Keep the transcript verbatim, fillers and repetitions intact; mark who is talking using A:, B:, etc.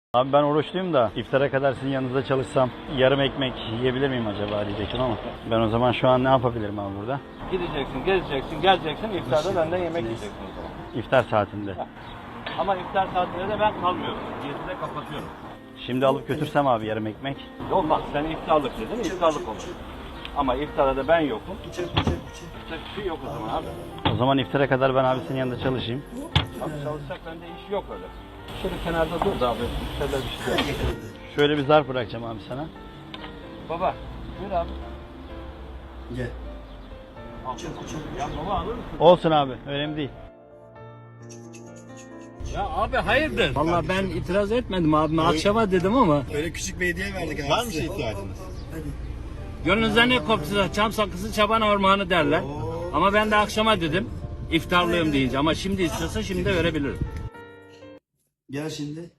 A: Abi ben oruçluyum da iftara kadar sizin yanınızda çalışsam yarım ekmek yiyebilir miyim acaba diyecektim ama ben o zaman şu an ne yapabilirim abi burada?
B: Gideceksin, gezeceksin, geleceksin, iftarda benden yemek yiyeceksin o zaman.
A: İftar saatinde.
B: Ama iftar saatinde de ben kalmıyorum. yedide kapatıyorum.
A: Şimdi alıp götürsem abi yarım ekmek.
B: Yok bak sen iftarlık dedin, iftarlık olur. Ama iftara da ben yokum. Yapacak bir şey yok o zaman abi.
A: O zaman iftara kadar ben abi senin yanında çalışayım.
B: Abi çalışacak bende iş yok öyle. Şöyle kenarda dur da abi. Şöyle bir şey.
A: Şöyle bir zarf bırakacağım abi sana.
B: Baba, buyur abi.
C: Gel.
B: Al. Ya baba alır mısın?
A: Olsun abi, önemli değil.
B: Ya abi hayırdır? Vallahi ben itiraz etmedim abime. Akşama dedim ama.
C: Öyle küçük bir hediye verdik abi. Var mı şey ihtiyacınız?
B: Gönlünüzden ne koptuysa çam sakızı çaban ormanı derler. Ama ben de akşama dedim. İftarlıyım deyince ama şimdi istiyorsa şimdi de verebilirim.
C: Gel şimdi.